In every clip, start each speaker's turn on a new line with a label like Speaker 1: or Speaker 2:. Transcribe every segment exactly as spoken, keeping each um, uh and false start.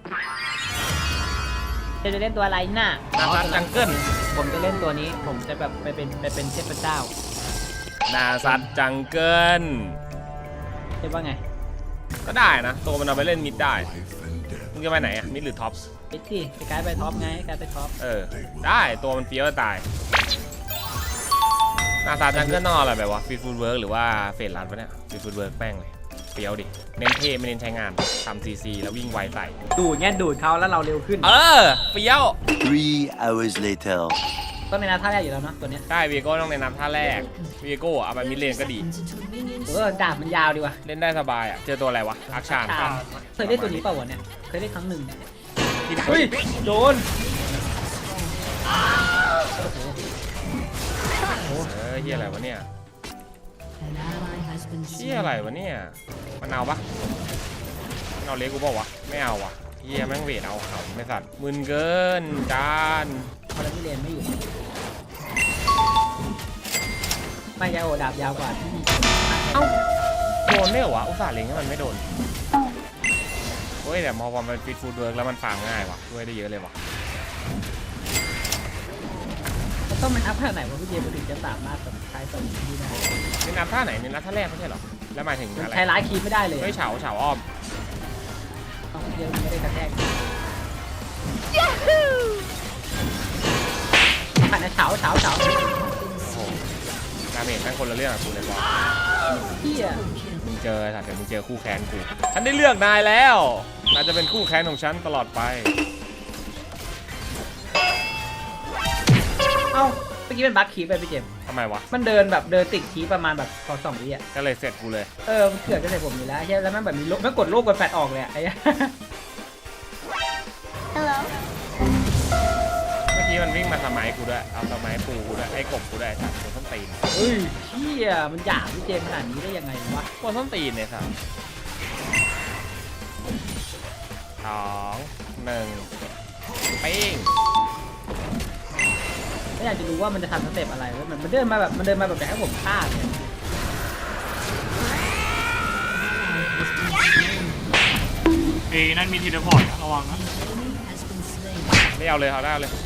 Speaker 1: จะเล่นตัวอะไรน่ะ
Speaker 2: นาซาจังเกิล
Speaker 1: ผมจะเล่นตัวนี้ผมจะแบบไปเป็นไปเป็นเทพเจ้า
Speaker 2: นาซาจังเกิล
Speaker 1: เรียกว่าไง
Speaker 2: ก็ได้นะตัวมันเอาไปเล่นมิดได้มึงจะไปไหนอะมิดหรือท็อป
Speaker 1: ไอ้ที่ไปกลายไปท็อปไงกลายไปท็อป
Speaker 2: เออได้ตัวมันเฟี้ยวจะตายนาซาจังเกิลต้องเอาอะไรไปวะฟีดฟูดเวิร์กหรือว่าเฟรลัดวะเนี่ยฟีดฟูดเวิร์กแป้งเลยเฟี้ยวดิเน้นเท่ไม่เน้นใช้งานทำซีซีแล้ววิ่งไวใส่
Speaker 1: ดูดเงี้ยดูดเขาแล้วเราเร็วขึ้น
Speaker 2: เออเฟี้ยว
Speaker 3: Three hours later.
Speaker 1: ต้องในนาท่าแรกอยู่แล้วเนาะตัวเนี้ย
Speaker 2: ได้วีโก้ต้องในน้ำท่าแรกวีโก้เอาไปมิดเลนก็ดี
Speaker 1: เออดาบมันยาวดีว่ะ
Speaker 2: เล่นได้สบายอ่ะเจอตัวอะไรวะอาร์ชาน
Speaker 1: ชาเคยเล่นตัวนี้เปล่าวะเนี่ยเคยเล่นครั้งหนึ่ง
Speaker 2: ที่ไหน
Speaker 1: เฮ้ยโดน
Speaker 2: เออเฮียอะไรวะเนี่ยเฮียอะไรวะเนี่ยมันเอาปะมันเอาเล็กกูบอกวะไม่เอาวะเฮียแม่งเวทเอาเขาไม่สัตว์มึนเกินจาน
Speaker 1: พอแล้วที่เรียนไม่อยู่ไม่ยาวดาบยาวกว่าที่มี
Speaker 2: เอ้าโดนได้เหรอวะอุตส่าห์เล็งให้มันไม่โดนเฮ้ยแต่พอพอมันฟิตฟูดเวิร์กแล้วมันฟาร์มง่ายวะช่วยได้เยอะเลยวะ
Speaker 1: ต้องมันอัพขนาดไหนวะพี่เจมส์ถึงจะสามารถแบบใช้ตัวนี้ได้
Speaker 2: เน้นนับท่าไหนเน้นนับท่าแรกไม่ใช่เหรอแล้วหมายถึงอะไร
Speaker 1: ใช้ร้ายคีไม่ได้เลย
Speaker 2: เฮ้ยเฉาเฉาอ้อม
Speaker 1: ต้องเดียวไม่ได้กระแทกผ่านนะเฉาเฉาเฉา
Speaker 2: โอ้โหดาเมจแม่งคนละเรื่องกับกูเลยบอล
Speaker 1: เฮีย
Speaker 2: มึงเจอสัตว์เดี๋ยวมึงเจอคู่แค้นกูฉันได้เลือกนายแล้วนายจะเป็นคู่แค้นของฉันตลอดไป
Speaker 1: เอ้าเมื่อกี้เป็นบัคคีไปพี่เจมส์
Speaker 2: ทำไมวะ
Speaker 1: มันเดินแบบเดินติดคีประมาณแบบพอสองวิอ่ะ
Speaker 2: ก็เลยเสร็จกูเลย
Speaker 1: เออเกือบจะใส่ผมอยู่แล้วใช่แล้วมันแบบมีโลมันกดโลกกดแฟดออกเลยไอ้
Speaker 4: Hello.
Speaker 2: เมื่อกี้มันวิ่งมาทำไมกูด้วยเอาทำไมปูกูด้วยไอ้กบกูด้วยสัตว์ตัวส้นตีน
Speaker 1: เฮ้ยเฮียมันหยาบพี่เจมส์ขนาดนี้ได้ยังไงวะ
Speaker 2: ตัวส้นตีนเนี่ยสัตว์สองหนึ่งปิ้ง
Speaker 1: ไม่อยากจะรู้ว่ามันจะทำสเต็ปอะไรเว้ยมันมันเดินมาแบบมันเดินมาแบบอยากให้ผมฆ่าเนี่ย
Speaker 5: เอ้นั่นมีทีเดพอร์ตระวังนะ
Speaker 2: ไม่เอาเลยเอาได้เลย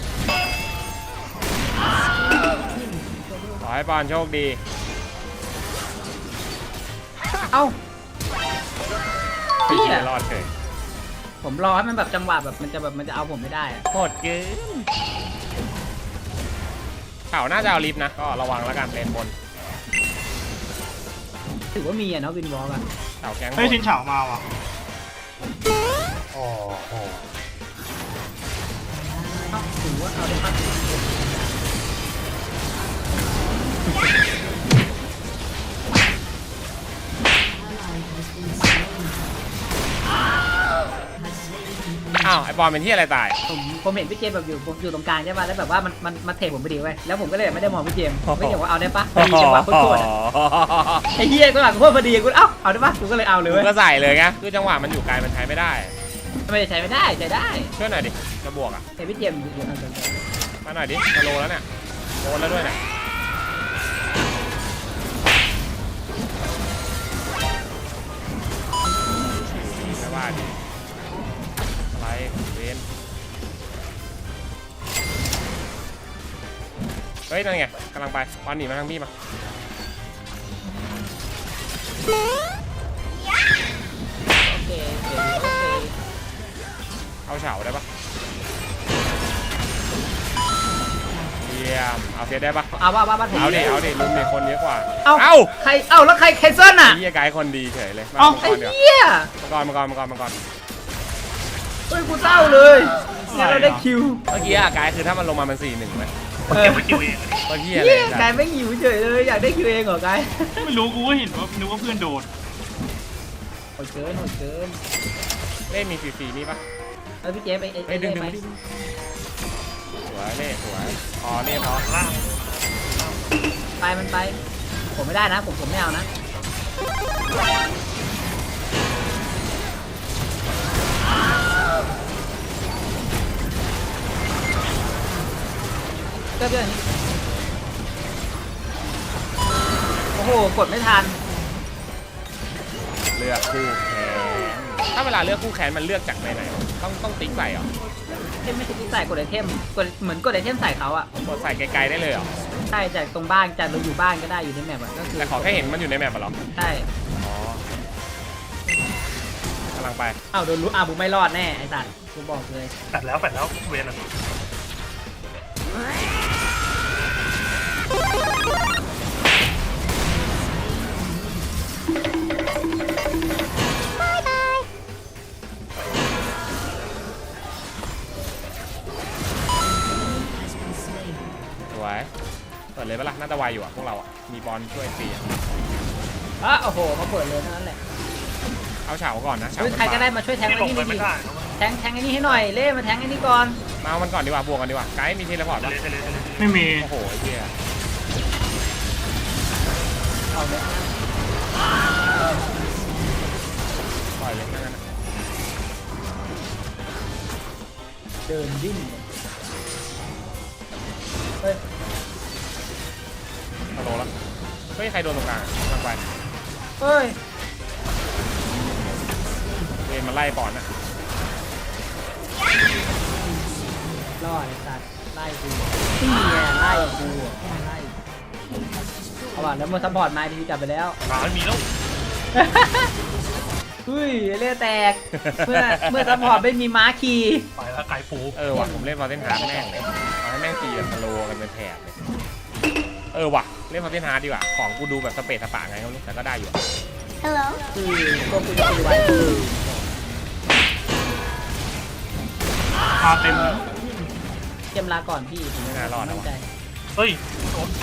Speaker 2: ขอให้ปอนโชคดี
Speaker 1: เอ้า
Speaker 2: พี่
Speaker 1: เฮีย
Speaker 2: รอดเฉย
Speaker 1: ผมรอให้มันแบบจังหวะแบบมันจะแบบมันจะเอาผมไม่ได้อะ
Speaker 2: โหดเกินเขาน่าจะเอาลิฟต์นะก็ระวังแล้วกันเลนบน
Speaker 1: ถือว่ามีอะเนาะวินวอล์กอะ
Speaker 2: เต่าแก๊งบ
Speaker 5: เฮ้ย
Speaker 2: น
Speaker 5: ชินเฉามาว่ะ
Speaker 1: เอ้าถือว่าเอาได้ปะ
Speaker 2: อ้าวไอ้บอลเป็นที่อะไรตาย
Speaker 1: ผมผมเห็นพี่เจมส์แบบอยู่ผมอยู่ตรงกลางใช่ป่ะแล้วแบบว่ามันมันมาเทผมพอดีเว้ยแล้วผมก็เลยไม่ได้มองพี่เจมส์ไม่เกี่ยวว่าเอาได้ปะพอดีจังหวะโคตรๆอะไอ้เหี้ยจังหวะโคตรพอดีกูเอ้าเอาได้ปะกูก็เลยเอาเลย
Speaker 2: กู
Speaker 1: เว้ย
Speaker 2: ก็ใส่เลยไงคือจังหวะมันอยู่ไกลมันใช้ไม่ได้
Speaker 1: ไม่ได้ใช้ไม่ได้ใช้ได้
Speaker 2: ช่วยหน่อยดิจะบวกอ่ะ
Speaker 1: แต่พี่เจมส์อยู่ทางตรงกลาง
Speaker 2: มาหน่อยดิจะโลแล้วเนี่ยโลแล้วด้วยเนี่ยไม่ว่าดิอะไรเวนเฮ้ยนั่นไงกำลังไปปอนหนีมาทางพี่มา
Speaker 1: โอเคเดี๋ยวโอเค
Speaker 2: เอาเฉาได้ปะเยี่ยมเอาเสียได้ปะ
Speaker 1: เอาว่าว่าว่าผม
Speaker 2: เอาดิเอาดิลุมมีคนเยอะกว่า
Speaker 1: เอา
Speaker 2: เอ้า
Speaker 1: ใครเอาแล้วใครแคนเซิลอ่ะ
Speaker 2: ไอ้เหี้ยไกด์คนดีเฉยเลยมา
Speaker 1: เอา
Speaker 2: มังก
Speaker 1: ไอ้
Speaker 2: รเดี๋ยว
Speaker 1: เหี้ย
Speaker 2: มังกรมังกรมังกรมังกร
Speaker 1: เฮ้ยกูเศร้าเลยงั้นเราได้คิว
Speaker 2: เมื่อกี้อะไกด์คือถ้ามันลงมามันสี่หนึ่งไหม
Speaker 1: เออ
Speaker 5: เก็บไว้คิวเอง
Speaker 2: เมื่อกี้อะไร
Speaker 1: เหี้ย
Speaker 2: จ้ะ
Speaker 1: กายไม่หิวเฉยเลยอยากได้คิวเองเหรอกาย
Speaker 5: ไม่รู้กูก็เห็นว่านึกว่าเพื่อนโดน
Speaker 1: โหดเกินโหดเกิน
Speaker 2: เล่มีฟรีๆนี่ปะ
Speaker 1: เออพี่เจมส์ไปไอ้
Speaker 2: เฮ้ยดึงดึง
Speaker 1: ไป
Speaker 2: ดึงสวยเล่สวยพอเล่พอ
Speaker 1: ไปมันไป ผมไม่ได้นะ ผมผมไม่เอานะก็เพื่อนโอ้โหกดไม่ทัน
Speaker 2: เลือกคู่แข่งถ้าเวลาเลือกคู่แข่งมันเลือกจากไหนไหนวะต้องต้องติ๊กใส่เหรอ
Speaker 1: เทมไม่ใช่ที่ใส่กดไอเทมกดเหมือนกดไอเทมใส่เขาอะ
Speaker 2: กดใส่ไกลๆได้เลยเหรอ
Speaker 1: ใช่จากตรงบ้านจากเราอยู่บ้านก็ได้อยู่ในแมปอะก็คือ
Speaker 2: แต่ขอแค่เห็นมันอยู่ในแมปอะเหรอ
Speaker 1: ใช่
Speaker 2: อ๋อกำลังไป
Speaker 1: เอ้าโดนรู้อ่ะบุไม่รอดแน่ไอ้สัตว์กูบอกเลย
Speaker 5: แปดแล้วแปดแล้วเวนอ่ะ
Speaker 2: สวยเปิดเลยปะล่ะน่าจะไวอยู่อะพวกเราอะมีบอลช่วยฟรีอะ
Speaker 1: อ่ะโอ้โหเขาเปิดเลยเท่านั้นแหละ
Speaker 2: เอาเฉาก่อนนะเฉา
Speaker 1: เฮ้ยใครก็ได้มาช่วยแทง
Speaker 5: ที่
Speaker 1: ไอ้
Speaker 5: ลง
Speaker 1: นี่
Speaker 5: ไป
Speaker 1: ดิ
Speaker 5: ไม่ได้นะ
Speaker 1: แทงแทงไอ้นี่ให้หน่อยเล่มาแทงไอ้นี่ก่อน
Speaker 2: มาเอามันก่อนดีกว่าบวกกันดีกว่าไกด์มีเทเลพอร์ต
Speaker 5: ทะ
Speaker 2: ปะ
Speaker 5: เลทะเลทะเลไม่มี
Speaker 2: โอ้โหไอ้เหี้ย
Speaker 1: เอาเลย
Speaker 2: ปล่อยเลยนั่นนะ
Speaker 1: เดินดิ้นเลยเฮ้ย
Speaker 2: ฮัลโหลแล้วเฮ้ยใครโดนตรงกลางอะกำลังไป
Speaker 1: เฮ้ย
Speaker 2: เวนมันไล่ปอนนะ
Speaker 1: รอดไอ้สัตว์ไล่กูนี่ไงไล่กูไล่เอาว่ะแล้วมือซัพพอร์ตมาดีกลับไปแล้ว
Speaker 5: หาไม่มีแล้ว
Speaker 1: เฮ้ยเล่แตกเมื่อเมื่อซัพพอร์ตไม่มีม้าขี่
Speaker 5: ไปแล้วไก่ฟู
Speaker 2: เออว่ะผมเล่นฟอร์เทนฮาร์ดแม่งเลยเอาให้แม่งตีแบบสโลว์กันเป็นแถบเลยเออว่ะเล่นฟอร์เทนฮาร์ดดีกว่าของกูดูแบบสเปซสปะไงก็ไม่รู้แต่ก็ได้อยู่
Speaker 1: คือตัวกูจะตีไว้
Speaker 5: พาเต็มแล้ว
Speaker 1: เตรียมลาก่อนพี่ผมมั่นใจ
Speaker 5: เฮ้ยโดน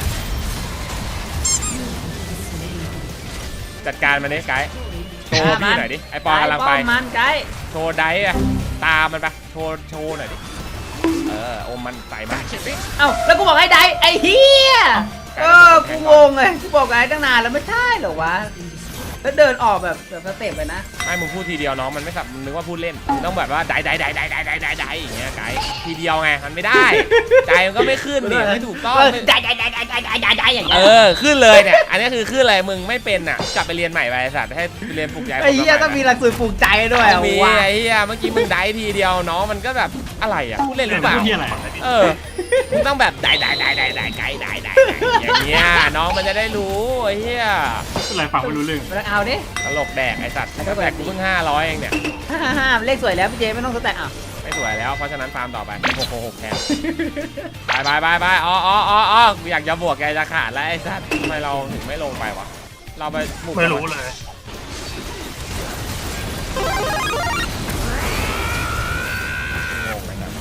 Speaker 2: จัดการมันดิไกด์โชว์พี่หน่อยดิไอปอนกำลังไป
Speaker 1: มันไกด์
Speaker 2: โชว์ไดฟ์อะตามมันไปโชว์โชว์หน่อยดิเอออมมันใส่มาเช็ดดิ
Speaker 1: เอ้าแล้วกูบอกให้ได้ไอ้เฮียเออกูงงเลยกูบอกไอ้ตั้งนานแล้วไม่ใช่เหรอวะแล้วเดินออกแบบแบบสเต็ปไปนะ
Speaker 2: ไม่มึงพูดทีเดียวน้องมันไม่สับมึงนึกว่าพูดเล่นมึงต้องแบบว่าไดไดไดไดไดไดไดไดอย่างเงี้ยไกด์ทีเดียวไงมันไม่ได้ใจมันก็ไม่ขึ้นดิไม่ถูกต้อง
Speaker 1: ได้ได้ได้ได้ได้ได้ได้อย่าง
Speaker 2: เอ
Speaker 1: เงี้ย
Speaker 2: อขึ้นเลยเนี่ยอันนี้คือขึ้นเลยมึงไม่เป็นอ่ะกลับไปเรียนใหม่ไปไอ้สัตว์ให้เรียนปลุกใจ
Speaker 1: ไอ้เฮียต้องมีหลักสูตรปลูกใจด้วย
Speaker 2: มี
Speaker 1: ว่ะ
Speaker 2: ไอ้เหี้ยเมื่อกี้มึงไดทีเดียวน้องมันก็แบบอะไรอ่ะพูดเล่นหรือเปล่า
Speaker 5: ที่อะไร
Speaker 2: เออมึงต้องแบบไดไดไดไดไดไกด์ไดไดอย่างเงี้ยน้องมันจะได้รู้ไอ้เหี้ย
Speaker 5: อะไรฟังไม่รู้เรื่อง
Speaker 1: มาเอาดิ
Speaker 2: ตลกแดกไอ้สัตว์แต่กูเพิ่งห้าร้อยเองเนี่ย
Speaker 1: ฮ่าฮ่าเลขสวยแล้วพี่เจไม่ต้องสแต็กอ่ะ
Speaker 2: ไม่สวยแล้วเพราะฉะนั้นฟาร์มต่อไปหกหกหกแทนไปไปไปไปอ๋ออ๋ออ๋ออ๋ออยากจะบวกแกจะขาดแล้วไอ้สัตว์ทำไมเราถึงไม่ลงไปวะเราไปบุก
Speaker 5: ไม่รู้เลย
Speaker 2: งงไปนะ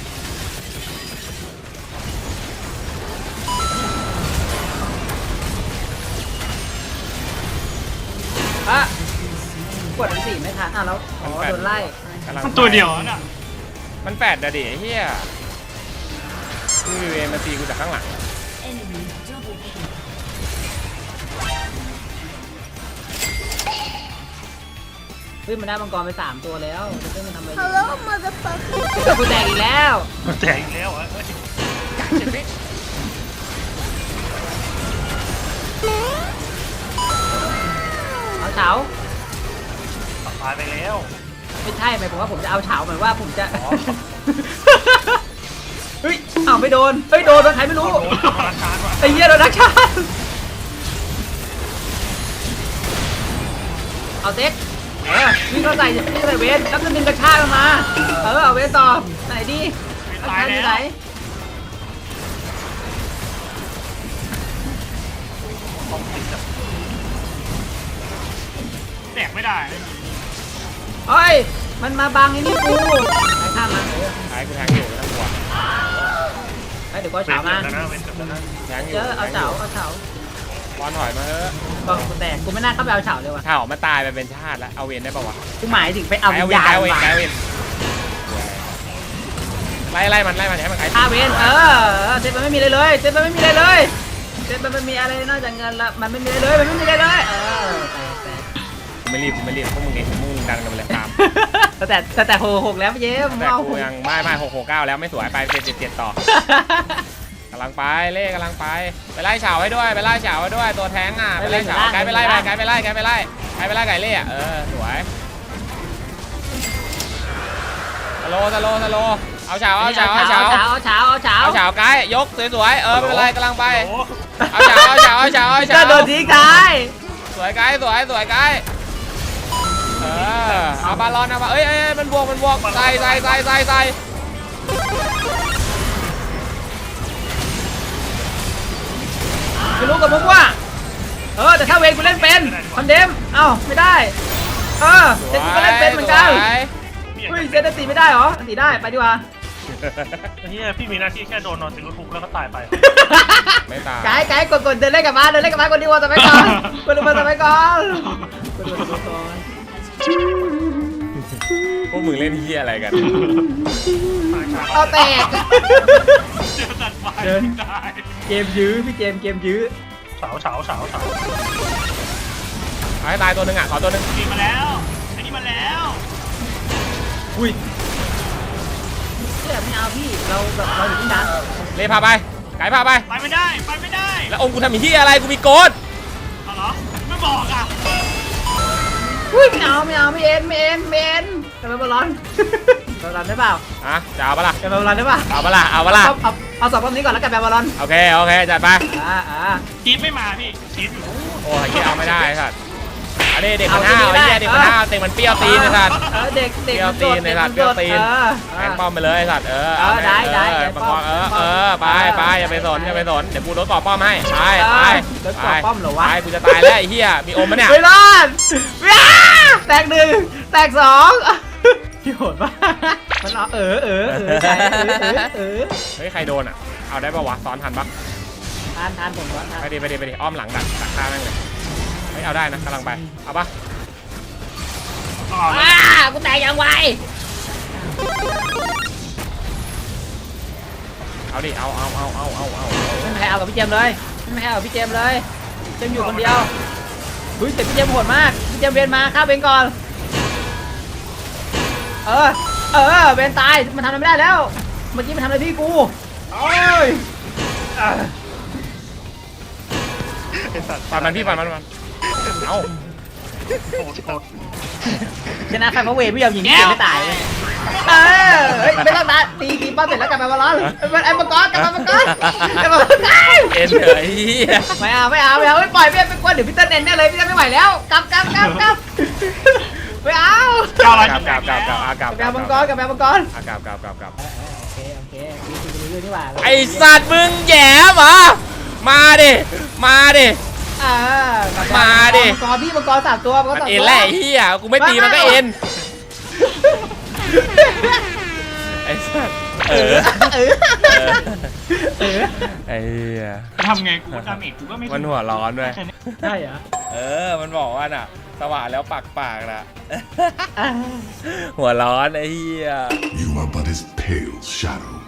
Speaker 1: อ่ะกดอันสี่ไม่ทันอ่ะแล้วอ๋อโดนไล่
Speaker 2: กำลัง
Speaker 5: มันตัวเดียวน่ะ
Speaker 2: มันแปดนะดิไอ้เฮียพี่วีเวมาตีกูจากข้างหลัง
Speaker 1: เฮ้ยมันได้มังกรไปสามตัวแล้วจะเพิ่งมันทำอะไรอยู่
Speaker 4: Hello, motherfucker.
Speaker 1: เกิดกูแตกอีกแล้ว
Speaker 5: มันแจกอีกแล้วอ่ะ
Speaker 1: เอาเฉา
Speaker 5: ตายไปแล้ว
Speaker 1: ไม่ใช่หมายผมว่าผมจะเอาเฉาหมายว่าผมจะเฮ้ยอ้าวไม่โดนเฮ้ยโดนโดนใครไม่รู้
Speaker 5: โดนธนาคารว่ะ
Speaker 1: ไอ้เหี้ยโดนนักชาติเอาเซ็กเออวิ่งเข้าใส่วิ่งเข้าใส่เวนแล้วก็ดึงกระชากมันมาเออเอาเวนต่อไหนดีกระ
Speaker 5: ตา
Speaker 1: ชาย กอยู่
Speaker 5: แล้
Speaker 1: ไหน
Speaker 5: วต้องติดอ่ะแตกไม่ได้
Speaker 1: เฮ้ยมันมาบังไอ้นี่กูไปข้ามมันเออ
Speaker 2: ท้ายกูแทงอยู่ไม่ต้องกลัว
Speaker 1: ไปเดี๋ยวก็
Speaker 5: เว้
Speaker 1: เฉานมา
Speaker 5: แล้วนะเว้นกับแล้วนะ
Speaker 2: แทงอยู่
Speaker 1: เจอเอาเฉาเอาเฉา
Speaker 2: บอลถอยมาเถอะ
Speaker 1: บอกกูแตกกูไม่น่าเข้าไปเอาเฉาเลยว่ะ
Speaker 2: ถ้าออกมาตายไปเป็นชาติแล้วเอาเวนได้ปะวะ
Speaker 1: กูหมายถึงไปเอาวิญญาณ
Speaker 2: เอาเวน
Speaker 1: มา
Speaker 2: เอาเวนไล่ไล่มันไล่มันให้มันขาย
Speaker 1: ฆ่าเวนเออเซฟมันไม่มีอะไรเลยเซฟมันไม่มีอะไรเลยเซฟมันไม่มีอะไรนอกจากเงินละมันไม่มีอะไรเลยมันไม่มีอะไรเลยเออแตกแตก
Speaker 2: กูไม่รีบกูไม่รีบพวกมึงเองพวกมึงดันกันไปเลยตาม
Speaker 1: แต่แต่แต่หกหกแล้วพี่เย้ผม
Speaker 2: แต่
Speaker 1: เอา
Speaker 2: กูยังไม่ไม่หกหกเก้าแล้วไม่สวยไปเจ็ดเจ็ดเจ็ดต่อกำลังไปเล่กำลังไปไปไล่เฉาให้ด้วยไปไล่เฉาให้ด้วยตัวแทงอ่ะไปไล่เฉาไกด์ไปไล่ไปไกด์ไปไล่ไกด์ไปไล่ไกด์ไปไล่ไก่เล่อ่ะเออสวยโลสโลสโลเอาเฉาเอาเฉา
Speaker 1: เอา
Speaker 2: เอา
Speaker 1: เฉา
Speaker 2: เฉา
Speaker 1: เอาเฉาเอาเฉา
Speaker 2: เอาเฉาไกด์ยกสวยๆเออไม่เป็นไรกำลังไป
Speaker 5: โอ้
Speaker 2: เอาเฉาเอาเฉาเอาเฉาเอา
Speaker 1: พี่
Speaker 2: เฉา
Speaker 1: เติ้ลโดนทิ้งท้าย
Speaker 2: สวยไกด์สวยสวยไกด์เออเอาบาลอนเอาบาเอ้ยเอ้ยมันบวกมันบวกใส่ใส่ใส่ใส่ใส่
Speaker 1: ไม่รู้กับมึงว่าเออแต่ถ้าเวรกูเล่นเป็นคอนเดมเอ้าไม่ได้เออเด็กกูก็เล่นเป็นเหมือนกัน
Speaker 2: สวย
Speaker 1: เฮ้ยเซนตีไม่ได้เหรอตีได้ไปดีกว่า
Speaker 5: เฮียพี่มีหน้าที่แค่โดนนอนสิงคุกแล้วก็ตายไป
Speaker 2: ไม่ตาย
Speaker 1: ไกด์ไกด์กดกดเดินเล่นกับมาเดินเล่นกับมากดดีกว่าสมัยก่อนกดดีกว่าสมัยก่อนกดดีกว่าสมัยก่อน
Speaker 2: พวกมึงเล่นเฮียอะไรกัน
Speaker 1: เอาแตก
Speaker 5: เจอตัดไฟตาย
Speaker 1: เกมยื้อพี่เจมส์เกมยื้อ
Speaker 5: เฉาเฉาเฉาเฉา
Speaker 2: เอาให้ตายตัวหนึ่งอ่ะขอตัวหนึ่ง
Speaker 5: กินมาแล้วอันนี้มาแล้ว
Speaker 1: อุ้ยเชื่อไม่เอาพี่เราแบบเราอยู่ที่นั้น
Speaker 2: เล่พาไปไก่พาไป
Speaker 5: ไปไม่ได้ไปไม่ได้
Speaker 2: แล้วองค์กูทำอย่างเฮียอะไรกูมีโกด
Speaker 5: เอาเหรอไม่บอกอ่ะ
Speaker 1: อุ้ยไม่เอาไม่เอาไม่เอ็นไม่เอ็นไม่เอ็นกลับไปบอลลอนบอลลอนได้เปล่า
Speaker 2: อ่ะจะเอาปะล่ะ
Speaker 1: กลับไปบอลลอนได้เปล่า
Speaker 2: เอาปะล่ะเอาปะล่ะ
Speaker 1: เอาเอาเอาสองรอบนี้ก่อนแล้วกลับไปบอลลอน
Speaker 2: โอเคโอเคจัดไป
Speaker 1: อ่าอ่า
Speaker 5: จี๊ดไม่มาพี่จี๊ดอยู่
Speaker 2: โอ้ยเฮียเอาไม่ได้สัตว์อันนี้เด็กมันห้าวไอ้เฮียเด็กมันห้าวเด็กมันเปรี้ยวตีนไอ้สัตว์
Speaker 1: เออเด็กเด็ก
Speaker 2: เปรี้ยว
Speaker 1: มันโด
Speaker 2: ตี
Speaker 1: ด
Speaker 2: นใน
Speaker 1: เด็ก
Speaker 2: สั
Speaker 1: มั
Speaker 2: ต
Speaker 1: น
Speaker 2: ว์
Speaker 1: โด
Speaker 2: เปรี้ยว
Speaker 1: ด
Speaker 2: ตีน
Speaker 1: เออ
Speaker 2: แทงป้อมไปเลยไอ้สัตว์เออ
Speaker 1: เออได้ได้
Speaker 2: เออ
Speaker 1: ได้
Speaker 2: ประคองเออ
Speaker 1: ป้อม
Speaker 2: เออไป
Speaker 1: เออ
Speaker 2: ไปอย่าไปสนอย่าไปสนเดี๋ยวกูรถต่อป้อมให้ไปไป
Speaker 1: รถต่อป้อมเหรอวะ
Speaker 2: ไปกูจะตายแล้วไอ้เฮียมีอมปะเนี่ย
Speaker 1: ไม่รอดว้าแตกหนึ่งแตกสองพี่โหดมากมันเอาเออเออเออใช่เออเออเออ
Speaker 2: เฮ้ยใครโดนอ่ะเอาได้ปะวะซ้อนทันปะ
Speaker 1: ทานทานผมก่อนทาน
Speaker 2: ไปดิไปดิไปดิอ้อมหลังดักดักข้างนั่งเลยเฮ้ยเอาได้นะกำลังไปเอาปะ
Speaker 5: ต้องเอา
Speaker 1: ว้ากูแตกอย่างไว
Speaker 2: เอาดิเอาเอาเอาเอาเอาเอา
Speaker 1: ไม่มีใครเอากับพี่เจมส์เลยไม่มีใครเอากับพี่เจมส์เลยเจมส์อยู่คนเดียวเฮ้ยแต่พี่เจมส์โหดมากพี่เจมส์เวนมาฆ่าเวนก่อนเออเออเวนตายมันทำอะไรไม่ได้แล้วเมื่อกี้มันทำอะไรพี่กูโอ้ย
Speaker 2: ปัดมันพี่ปัดมันมันเอา
Speaker 5: โหดโหด
Speaker 1: ชนะใครเพราะเวรไม่ยอมยิงพี่เจมส์ไม่ตายเลยเออเฮ้ยไม่ต้องตาตีตีป้อมเสร็จแล้วกลับมาบอลลอนไอ้มังกรกลับมามังกรกลับมามังกร
Speaker 2: เอ็นเถอะไอ้เหี้ย
Speaker 1: ไม่เอาไม่เอาไม่เอาไม่ปล่อยพี่ไปกวนเดี๋ยวพี่เต้นเน้นแน่เลยพี่เต้นไม่ไหวแล้วกลับกลับกลับกลับไม่เอา
Speaker 5: เจ้าอะไร
Speaker 2: กลับกลับกลับกลับอากลับ
Speaker 1: กลับมังกรกลับมังกร
Speaker 2: อากลับกลับกลับกลับ
Speaker 1: โอเคโอเคพี่คุยเรื่องนี้ว่า
Speaker 2: ไอสัตว์มึงแย่เหรอมาดิมาดิ
Speaker 1: อ่า
Speaker 2: มาดิ
Speaker 1: มังกรพี่มังกรสามตัวมังกร
Speaker 2: มัน
Speaker 1: สามตัว
Speaker 2: เอ็นแหละไอ้เหี้ยกูไม่ตีมันก็เอ็นไอ้สัตว์เออ
Speaker 1: เออเออ
Speaker 2: ไอ้เหี้ย
Speaker 5: ทำไงกูดาเมจกูก็ไม่
Speaker 2: มันหัวร้อนด้วย
Speaker 1: ใช่เหรอ
Speaker 2: เออมันบอกว่าน่ะสว่างแล้วปากปากน่ะ
Speaker 1: อ่า
Speaker 2: หัวร้อนไอ้เหี้ย
Speaker 4: You are but his pale shadow.